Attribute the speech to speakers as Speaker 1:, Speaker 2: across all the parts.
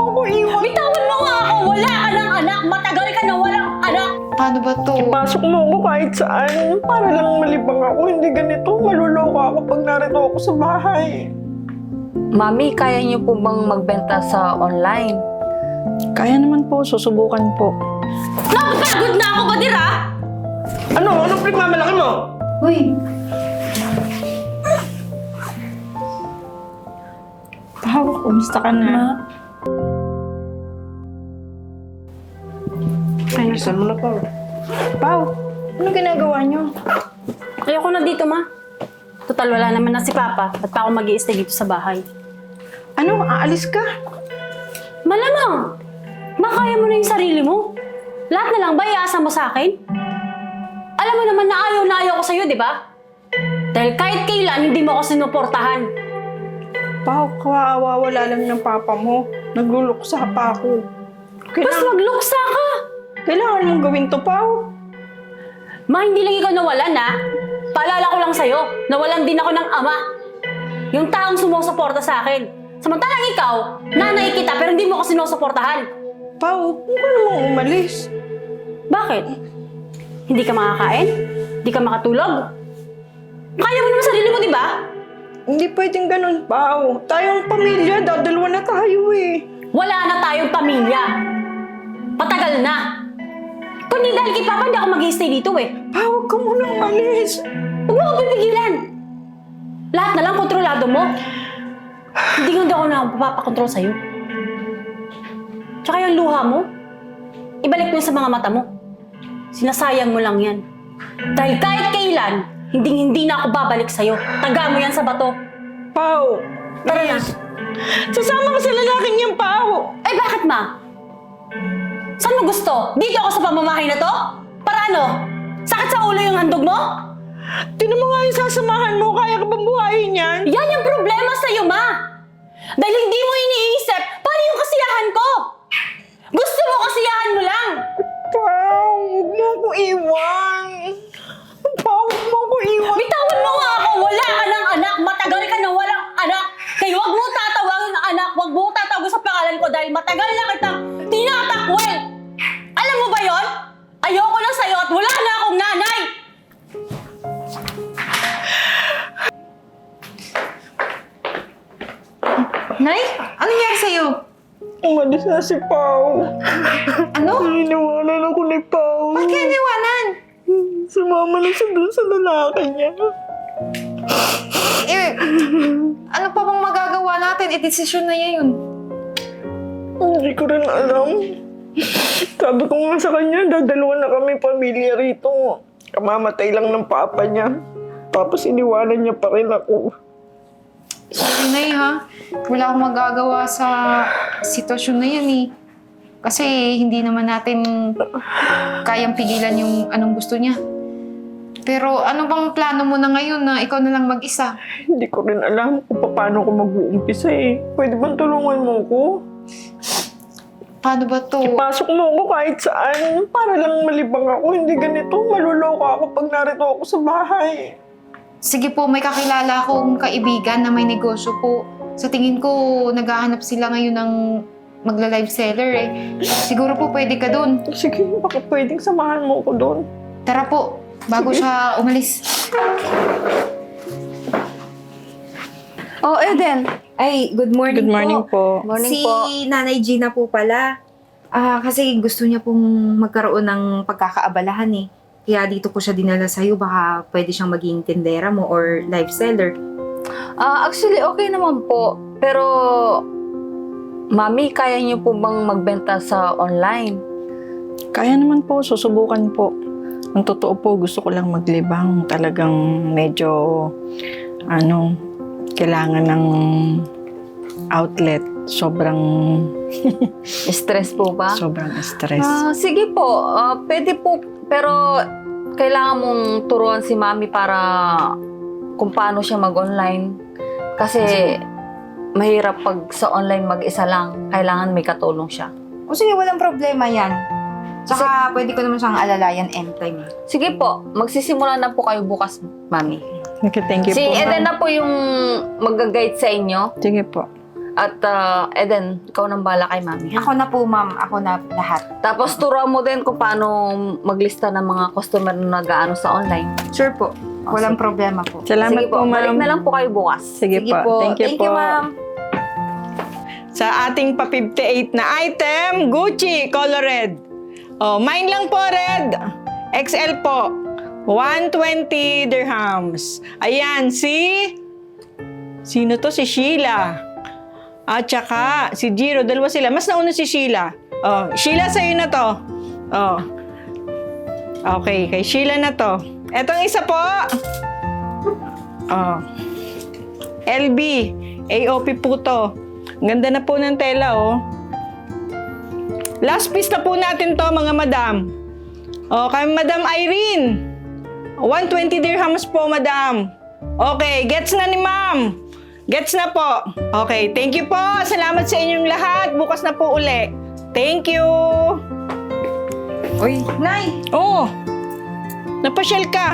Speaker 1: mo ko iwan.
Speaker 2: Bitawan mo nga ako! Wala ka ng anak! Matagal ka na walang anak!
Speaker 3: Paano ba to?
Speaker 1: Ipasok mo ako kahit saan. Para lang malibang ako. Hindi ganito. Maluloko ako pag narito ako sa bahay.
Speaker 4: Mami, kaya niyo po bang magbenta sa online?
Speaker 1: Kaya naman po. Susubukan po.
Speaker 2: Napapagod na ako, Badir, ha?
Speaker 1: Ano? Anong pinagmamalaki mo?
Speaker 3: Uy,
Speaker 1: Pao, kumusta ka na? Ay, nasan mo na, Pao? Pao, anong ginagawa niyo?
Speaker 2: Ayoko na dito, ma. Total, wala naman na si Papa. Ba't pa ako mag-i-stay dito sa bahay?
Speaker 1: Ano? Aalis ka?
Speaker 2: Malamang! Makaya mo na yung sarili mo. Lahat na lang ba iasa mo sa akin? Alam mo naman na ayaw ko sa'yo, di ba? Dahil kahit kailan, hindi mo ako sinuportahan.
Speaker 1: Pao, kawawa, wala lang ng papa mo. Nagluluksa pa ako.
Speaker 2: Basta magluksa ka!
Speaker 1: Kailangan mong gawin to, Pao.
Speaker 2: Ma, hindi lang ikaw nawalan, ha? Paalala ko lang sa'yo, nawalan din ako ng ama. Yung taong sumusuporta sa akin. Samantalang ikaw, nanay kita pero hindi mo ako sinusuportahan.
Speaker 1: Pao, huwag ka namang umalis.
Speaker 2: Bakit? Hindi ka makakain? Hindi ka makatulog? Kaya mo naman sarili mo, di ba?
Speaker 1: Hindi pwedeng ganun, Pao. Tayong pamilya, dadalawa na tayo eh.
Speaker 2: Wala na tayong pamilya. Patagal na. Kung hindi dahil kay Papa, hindi ako mag-i-stay dito eh.
Speaker 1: Pao, huwag ka munang umalis.
Speaker 2: Huwag mo akong pipigilan. Lahat na lang kontrolado mo. Hindi ako na papakontrol sa'yo. Tsaka yung luha mo, ibalik mo yun sa mga mata mo. Sinasayang mo lang yan. Dahil kahit kailan, hindi na ako babalik sa'yo. Taga mo yan sa bato.
Speaker 1: Pao,
Speaker 2: Tara na.
Speaker 1: sasama ka sa lalaking yan, Pao.
Speaker 2: Eh bakit, ma? Saan mo gusto? Dito ako sa pamamahay na to? Para ano? Sakit sa ulo yung handog mo?
Speaker 1: Tinan mo nga yung sasamahan mo. Kaya ka bang buhayin yan?
Speaker 2: Yan yung problema sa'yo, ma! Dahil hindi mo iniisip, paano yung kasiyahan ko? Gusto mo kasiyahan mo lang!
Speaker 1: Pao, huwag mo ako iwan. Pao, huwag mo ako iwan.
Speaker 2: Bitawan mo nga ako! Wala ka ng anak! Matagal ka na walang anak! Kaya huwag mo tatawagin na anak! Huwag mo tatawag sa pangalan ko dahil matagal na kitang tinatakwil! Alam mo ba yon? Ayoko na sa'yo at wala na akong nanay!
Speaker 3: Nay? Ano nangyari sa'yo?
Speaker 1: Umalis na si Pao.
Speaker 3: Ano?
Speaker 1: Iniwanan ako ni Pao.
Speaker 3: Ba't kaya niwanan?
Speaker 1: Sumama na siya dun sa lalaki niya.
Speaker 3: Eh, ano pa bang magagawa natin? Eh, desisyon na yan yun.
Speaker 1: Hindi ko rin alam. Sabi ko nga sa kanya, dadalawa na kami pamilya rito. Kamamatay lang ng papa niya. Tapos iniwanan niya pa rin ako.
Speaker 3: Sorry, Nay, ha? Wala akong magagawa sa sitwasyon na yan, eh. Kasi hindi naman natin kayang pigilan yung anong gusto niya. Pero ano bang plano mo na ngayon na ikaw na lang mag-isa?
Speaker 1: Hindi ko rin alam kung paano ko mag-uumpisa eh. Pwede bang tulungan mo ko?
Speaker 3: Paano ba to?
Speaker 1: Ipasok mo ako kahit saan. Para lang malibang ako. Hindi ganito. Maluloko ako pag narito ako sa bahay.
Speaker 3: Sige po, may kakilala akong kaibigan na may negosyo po. Sa tingin ko, naghahanap sila ngayon ng magla-live seller eh. Siguro po pwede ka dun.
Speaker 1: Sige, baka pwedeng samahan mo ko doon.
Speaker 3: Tara po, bago siya umalis.
Speaker 5: Oh, Eden. Ay, good morning,
Speaker 1: Good morning po.
Speaker 4: Morning
Speaker 5: si
Speaker 4: po.
Speaker 5: Nanay Gina po pala. Kasi gusto niya pong magkaroon ng pagkakaabalahan eh. Kaya dito ko siya dinala sa'yo. Baka pwede siyang maging tindera mo or live seller.
Speaker 4: Actually, okay naman po. Pero, Mami, kaya niyo po bang magbenta sa online?
Speaker 1: Kaya naman po, susubukan po. Ang totoo po, gusto ko lang maglibang. Talagang medyo, kailangan ng outlet. Sobrang
Speaker 4: Stress po ba?
Speaker 1: stress.
Speaker 4: Sige po. Pwede po. Pero, kailangan mong turuan si Mami para kung paano siya mag-online. Kasi, mahirap pag sa online mag-isa lang. Kailangan may katulong siya.
Speaker 5: O sige, walang problema yan. Tsaka pwede ko naman siyang alalayan anytime.
Speaker 4: Sige po. Magsisimula na po kayo bukas, Mami.
Speaker 1: Okay, thank you
Speaker 4: Si
Speaker 1: po.
Speaker 4: Eden na po yung mag-guide sa inyo.
Speaker 1: Sige po.
Speaker 4: At Eden, ikaw nang bala kay Mami. Ha?
Speaker 5: Ako na po, ma'am. Ako na lahat.
Speaker 4: Tapos turuan mo din kung paano maglista ng mga customer na nag-aano sa online.
Speaker 5: Sure po. Walang problema po.
Speaker 1: Salamat
Speaker 4: Sige po, balik na lang po kayo bukas.
Speaker 1: Sige,
Speaker 5: Sige
Speaker 1: po.
Speaker 5: po.
Speaker 1: Thank you po.
Speaker 5: ma'am.
Speaker 1: Sa ating pa 58 na item, Gucci color red. Oh, mine lang po red. XL po. 120 dirhams. Ayan, sino to? Si Sheila. At saka si Jiro. Dalawa sila. Mas nauna si Sheila. Oh, Sheila, sa'yo na to. Oh. Okay, kay Sheila na to. Etong isa po. Oh. LB. AOP po to. Ang ganda na po ng tela, oh. Last piece na po natin to, mga madam. Oh, kay Madam Irene. 120 dirhams po, madam. Okay, gets na ni ma'am. Gets na po. Okay, thank you po. Salamat sa inyong lahat. Bukas na po uli. Thank you.
Speaker 5: Uy, Nay.
Speaker 1: Oh, napasyal ka.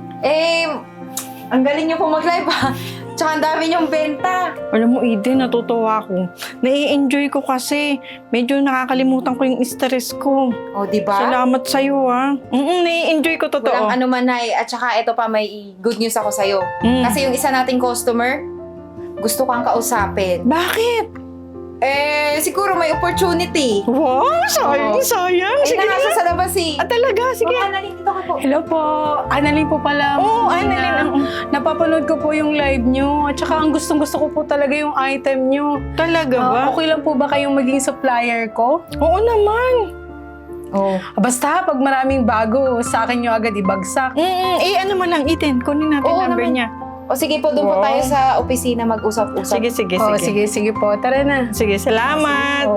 Speaker 5: Ang galing niyo po mag-live ha. Tsaka ang dami niyong benta.
Speaker 1: Alam mo, Eden, natutuwa ako. Nai-enjoy ko kasi. Medyo nakakalimutan ko yung stress ko.
Speaker 5: O, di ba?
Speaker 1: Salamat sa'yo, ha. Nai-enjoy ko totoo.
Speaker 5: Walang ano man, Nay. At saka ito pa, may good news ako sa'yo.
Speaker 1: Mm.
Speaker 5: Kasi yung isa nating customer, gusto kang kausapin.
Speaker 1: Bakit?
Speaker 5: Siguro may opportunity.
Speaker 1: Wow, sayang,
Speaker 5: Oo.
Speaker 1: sayang.
Speaker 5: Ay,
Speaker 1: Sige
Speaker 5: nasa
Speaker 1: na.
Speaker 5: sa labas eh.
Speaker 1: Talaga, sige.
Speaker 5: Mama, Annalyn, dito ka po.
Speaker 6: Hello po. Annalyn po pala.
Speaker 1: Oo,
Speaker 6: Ma'am
Speaker 1: Annalyn.
Speaker 6: Gina. Napapanood ko po yung live nyo. At saka ang gustong-gusto ko po talaga yung item nyo.
Speaker 1: Talaga ba?
Speaker 6: Okay lang po ba kayong maging supplier ko?
Speaker 1: Oo naman.
Speaker 5: Oh.
Speaker 6: Basta pag maraming bago, sa akin nyo agad ibagsak.
Speaker 1: Ano mo lang, Eden. Kunin natin
Speaker 5: Oo
Speaker 1: number
Speaker 5: naman.
Speaker 1: niya.
Speaker 5: O sige po, doon po
Speaker 1: Wow.
Speaker 5: tayo sa opisina mag-usap-usap.
Speaker 1: Sige, sige,
Speaker 6: Oh,
Speaker 1: sige.
Speaker 6: sige po. Tara na.
Speaker 1: Sige, salamat.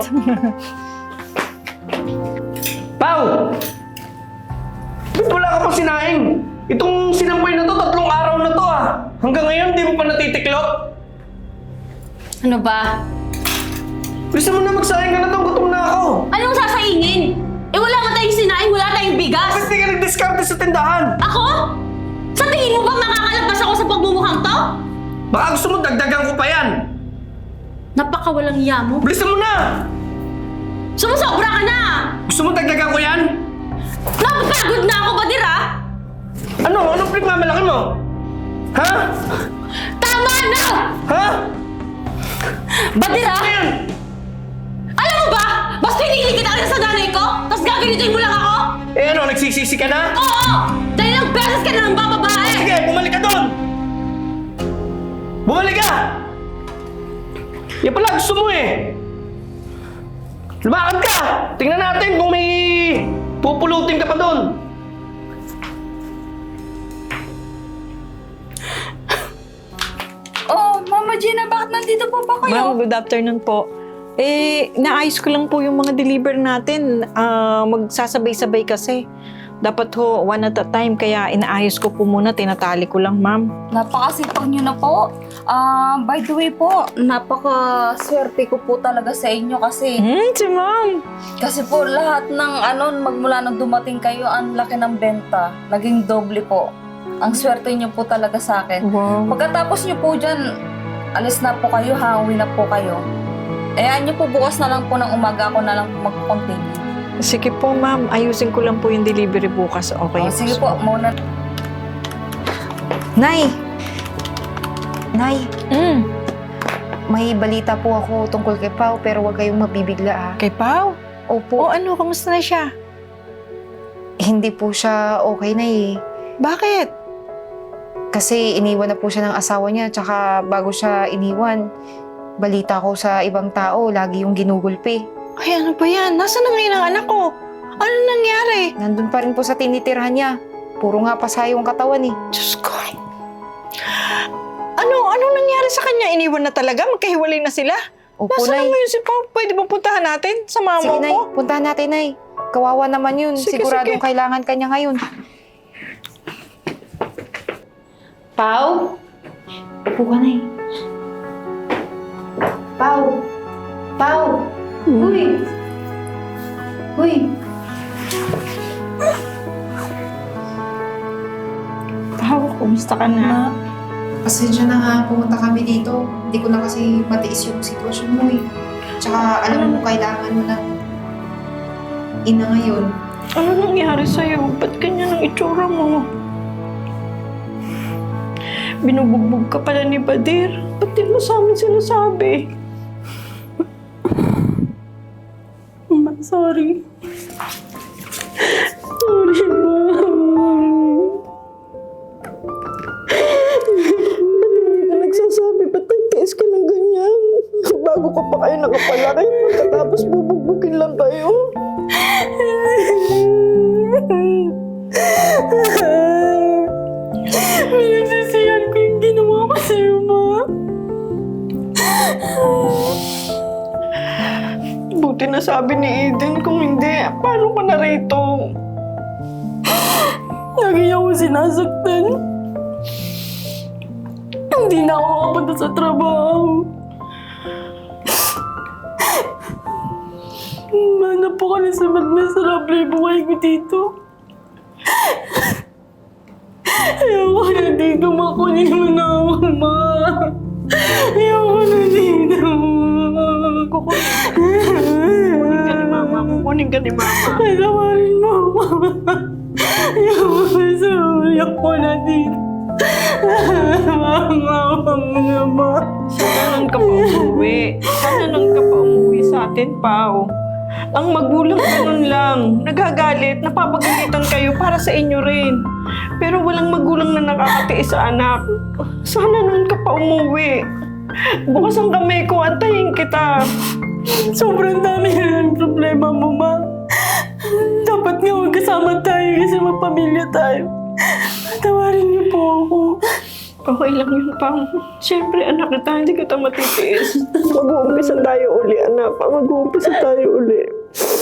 Speaker 7: Pao! Ba't wala ka pa sinaing? Itong sinampay na to, 3 araw na to Hanggang ngayon, di mo pa natitiklop?
Speaker 2: Ano ba?
Speaker 7: Gusto mo na magsaing ka na to, gutom na ako.
Speaker 2: Anong sasaingin? Wala nga tayong sinaing, wala tayong bigas.
Speaker 7: Ba't di ka nag-discarte sa tindahan?
Speaker 2: Ako? Sa tingin mo ba makakalabas ako sa pagmumukhang to?
Speaker 7: Baka gusto mo dagdagan ko pa yan.
Speaker 2: Napakawalang iya mo.
Speaker 7: Bilisan mo na!
Speaker 2: Sumusobra ka na!
Speaker 7: Gusto mo dagdagan ko yan?
Speaker 2: Napapagod na ako, Badira!
Speaker 7: Ano? Anong pinagmamalaki mo? Ha?
Speaker 2: Tama na!
Speaker 7: Ha?
Speaker 2: Badira!
Speaker 7: Ano yan?
Speaker 2: Alam mo ba? Basta hinihili kita rin sa nanay ko, tapos gaganituin mo lang ako?
Speaker 7: Ano, nagsisisi ka na?
Speaker 2: Oo! Dahil lang beses ka na ng bababae!
Speaker 7: Sige, bumalik ka doon! Bumalik ka! Yan pala gusto mo Lumakad ka! Tingnan natin kung may pupulutin ka pa doon.
Speaker 4: Oh, Mama Gina, bakit nandito po ba
Speaker 1: Ma'am, good afternoon po. Naayos ko lang po yung mga deliver natin. Magsasabay-sabay kasi. Dapat ho, one at a time. Kaya inaayos ko po muna, tinatali ko lang, ma'am.
Speaker 4: Napakasipag niyo na po. By the way po, napakaswerte ko po talaga sa inyo kasi
Speaker 1: Si ma'am.
Speaker 4: kasi po lahat ng magmula nang dumating kayo, ang laki ng benta. Naging doble po. Ang swerte niyo po talaga sa akin.
Speaker 1: Wow.
Speaker 4: Pagkatapos niyo po dyan, alis na po kayo, uwi na po kayo. Ayan niyo po, bukas na lang po ng umaga ako na lang po mag-continue.
Speaker 1: Sige po, ma'am. Ayusin ko lang po yung delivery bukas. Okay.
Speaker 4: Oh, sige po, muna.
Speaker 5: Nay! Nay,
Speaker 1: Mm.
Speaker 5: may balita po ako tungkol kay Pao pero huwag kayong mabibigla
Speaker 1: Kay Pao?
Speaker 5: Opo,
Speaker 1: Ano? Kamusta na siya?
Speaker 5: hindi po siya okay na
Speaker 1: Bakit?
Speaker 5: Kasi iniwan na po siya ng asawa niya tsaka bago siya iniwan, balita ko sa ibang tao, lagi yung ginugulpi.
Speaker 1: Ay, ano ba yan? Nasaan na ngayon ang anak ko? Ano nangyari?
Speaker 5: Nandun pa rin po sa tinitirhan niya. Puro nga pasayo ang katawan
Speaker 1: Diyos ko. Anong nangyari sa kanya? Iniwan na talaga? Magkahiwalay na sila?
Speaker 5: Opo,
Speaker 1: Nasaan
Speaker 5: Nay.
Speaker 1: naman yun si Pao? Pwede bang puntahan natin? Sa mama
Speaker 5: Sige, Nay.
Speaker 1: ko?
Speaker 5: Puntahan natin, Nay. Kawawa naman yun.
Speaker 1: Sige,
Speaker 5: Siguradong
Speaker 1: sige.
Speaker 5: kailangan ka niya ngayon. Pao? Upo ka, Nay. Pao? Pao? Uy! Uy!
Speaker 1: Pao, kumusta ka na?
Speaker 3: Pasensya na ha, pumunta kami dito. Hindi ko na kasi matiis yung sitwasyon mo eh. Tsaka alam mo, kailangan mo ng ina ngayon.
Speaker 1: Ano nangyari sa'yo? Ba't ganyan ang itsura mo? Binubugbog ka pala ni Badir. Ba't di mo sa amin sinasabi?
Speaker 6: Ma, sorry. Sorry, Ma.
Speaker 1: Ba't hindi ka nagsasabi? Ba't nagtiis ka ng ganyan? Bago ka pa kayo nakapalaki, pagkatapos bubugbugin lang kayo.
Speaker 6: Pinagsisiyan ko yung ginawa ko sa'yo, Ma.
Speaker 1: Buti na sabi ni Eden, kung hindi, paano ka na rito?
Speaker 6: Lagi ako sinasaktan. Hindi na ako makapunta sa trabaho. Manap po ka na sa miserable yung buhay ko dito. Ayoko na dito, Ma. Kunin mo na ako, Ma. Ayoko na dito.
Speaker 1: Kukunin ka ni Mama.
Speaker 6: Patawarin mo ako. Ayoko na dito. Mama, wag na, Ma.
Speaker 1: Sana nang ka pa umuwi. Sana nang ka pa umuwi sa atin, Pao. Ang magulang ganun lang. Nagagalit, napapagalitan kayo para sa inyo rin. Pero walang magulang na nakakatiis sa anak. Sana nang ka pa umuwi. Bukas ang kamay ko, antayin kita.
Speaker 6: Sobrang dami na ng problema mo, Ma. Dapat nga magkasama tayo kasi magpamilya tayo. Patawarin niyo po ako.
Speaker 1: Okay lang yun, Pao. Siyempre, anak kita, hindi kita matitiis. Mag-uumpisa tayo uli, anak. Mag-uumpisa tayo uli.